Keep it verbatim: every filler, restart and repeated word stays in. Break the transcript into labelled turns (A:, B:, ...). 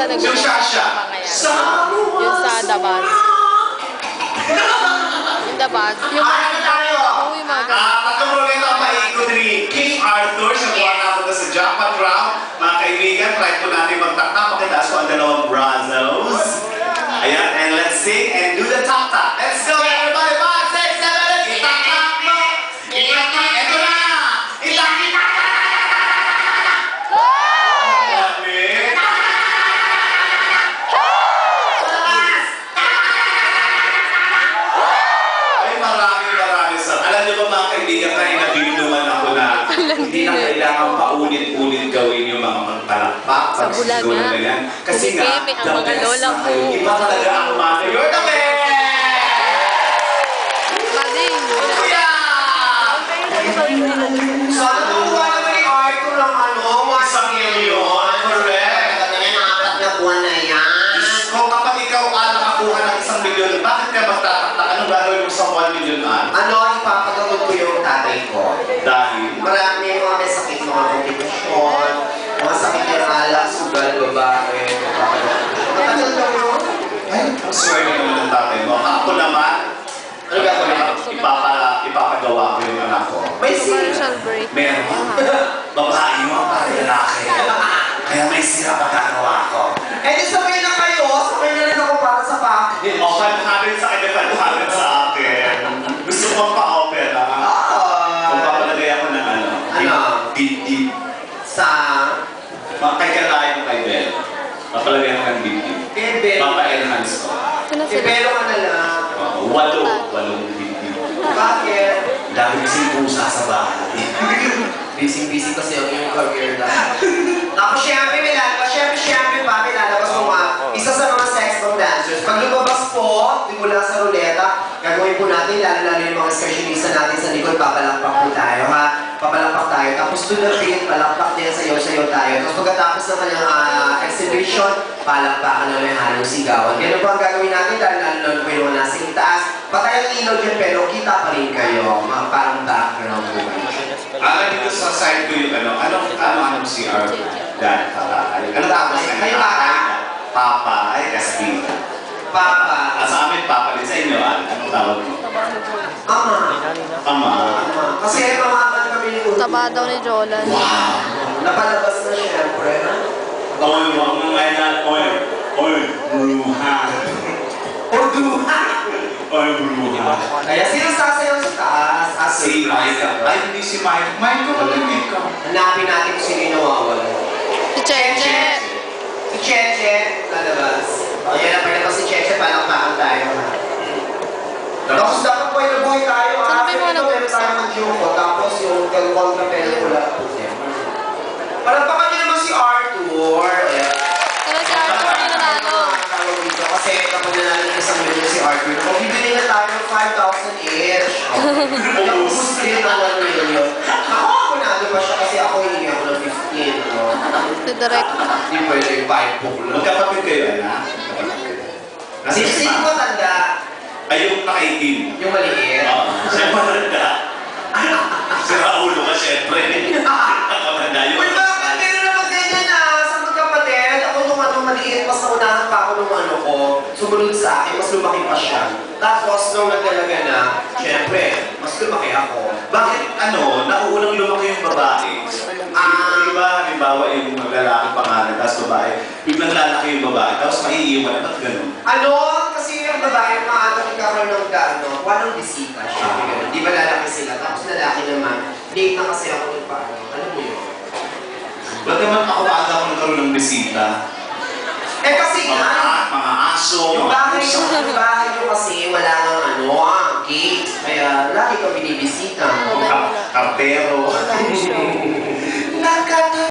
A: nag-yung yung sa Dabas. Yung Dabas. Yung mga
B: Oo, yung mga ganun. Pagkamulit ang paikot ni King Arthur sa buwan napunta sa jackpot round. Mga kaibigan, try po natin magtaktak. Pakitaas ko ang dalawang brazos. Ayan, and let's sing and do the tak-tak. Let's go everybody! five, six, seven, eight! Itak-tak mo! Itak-tak! Ito na! Itak-tak! Ay, maraming maraming sa... Alam niyo ba mga kaibigan, tayo nabibinduman ako na hindi na kailangan paulit-ulit gawin yung mga magpalakpak.
A: Sa Bulaga.
B: Kasi nga,
A: ang mga lola mo.
B: Iba talaga ang mga you're the best!
A: Mading.
B: Kuya! Sana nakuha naman ni Arthur ng ano, isang milyon. Correct.
C: Apat na buwan na yan.
B: Kung kapag ikaw ah, nakakuha ng isang milyon, bakit ka magtataktak? Anong gagawin mo sa one million ah?
C: Ano, ipapagamot ko yung tatay ko.
B: Dahil?
C: Marami mga may sakit, mga komplikasyon, mga sakit ng alak, sugal, babae, matagal na yun.
B: Ay, ang swerte naman ng tatay mo. Ako naman, ano gagawin mo? Ipapa, ipapagawa ko yung anak ko.
C: May
A: Commercial break.
B: Meron. Babae mo, para lalaki. Kaya may sira pagkagawa ko.
C: Eh, di sabay na kayo, sabay na rin ako para sa packet.
B: O, five hundred sa akin, five hundred sa akin. Gusto mo pa-opera? Kung papalagay ako ng ano?
C: Ano?
B: Deep-deep.
C: Sa...
B: Kay Kalay mo kay Bel. Papalagay ako ng deep-deep.
C: Kay Bel.
B: Papa-enhance ko.
A: Sino
C: Kay
A: sila?
C: Belo ka na lang.
B: Walo. Walong deep-deep.
C: Bakit?
B: Dami kasing pusa sa bahay.
C: Busy-busy kasi ang iyong career na. Tapos syempre, may lalabas. Syempre, syempre pa, may lalabas mo nga. Isa sa mga sex bomb dancers. Pag lumabas po, di mula sa ruleta, gagawin po natin, lalo-lalo yung mga excursionista natin sa likod, papalakpak po tayo, ha? Papalakpak tayo. Tapos to the beat, palakpak din, sayo-sayo tayo. Tapos pagkatapos ng kanyang uh, exhibition, palakpakan na may halong sigawan. Ganun po ang gagawin natin, lalo-lalo po yung mga nasa itaas. Patay ang ilaw dyan, pero kita pa rin kayo. Mga parang background po kayo.
B: Ah, dito sa side ko yung ano, anong ano anong C R? Dad, papa. Ano tapos na?
C: Ay, papa.
B: Papa, ay Castilla.
C: Papa.
B: Ah, sa amin, papa din sa inyo, ah. Anong tawag mo?
C: Ama.
B: Ama.
C: Ama. Kasi mamakan kami ni Uto.
A: Taba daw ni Jolan.
B: Wow!
C: Napalabas na siyempre.
B: Oy, wag mo ngayon na, oy, oy, bruha.
C: Urduha!
B: Oy, bruha.
C: Kaya sino sasayaw sa taas? Ah,
B: Si Mike. Ay, hindi si Mike. Mike ko, malimit ka.
C: Hanapin natin kung sino yung nawawala.
A: Si Cheche.
C: Si Cheche, lalabas. Ayan na, pagkatapos si Cheche, palakpakan tayo. Tapos dapat buhay na buhay tayo.
A: Saan
C: Ha?
A: ba yung mga
C: Ito, meron tayo ng Jumbo. Tapos yung kontra pelikula. Palakpakan niyo naman si Arthur. Ayan.
A: Pero si Arthur yung nanalo.
C: Kasi kapag nanalo niya sa milyon si Arthur, magbibili na tayo ng five thousand each. Ubus din ang one million. Ako, ako nalo pa siya kasi ako hindi ako ng fifteen. No?
A: Si Direct.
C: Hindi pwede yung five book lang.
B: Magkapatid kayo, anak?
C: Kasi sino ko tanda?
B: Ay, yung nakaitim.
C: Yung maliit.
B: Oo. Siya matanda. Si Raulo ka, syempre. Kamanda yun.
C: Uy, bakit meron naman ganyan na sa magkapatid? Ako nung ano, maliit, mas naunahan pa ako nung ano ko. Sumunod sa akin, mas lumaki pa siya. Tapos nung nagdalaga na, syempre, mas lumaki ako.
B: Bakit, ano, nauunang lumaki yung babae? Ah, di ba, halimbawa yung lalaki pangalan, tapos babae, biglang lalaki yung babae, tapos maiiwan, ba't ganun?
C: Ano? Kasi yung babae, maaga nagkakaroon ng gano, walang bisita siya. Ganun. Di ba lalaki sila? Tapos lalaki naman, late na kasi ako nagpaano. Ano mo yun?
B: Ba't naman ako maaga ako nagkaroon ng bisita?
C: Eh kasi
B: Mga,
C: nga,
B: mga aso,
C: yung
B: mga
C: bahay
B: pusa.
C: yung, yung bahay yung kasi wala nang ano, ah, gate. Kaya lagi ka binibisita.
B: Kartero.
A: Wala yung show.
C: Nagkata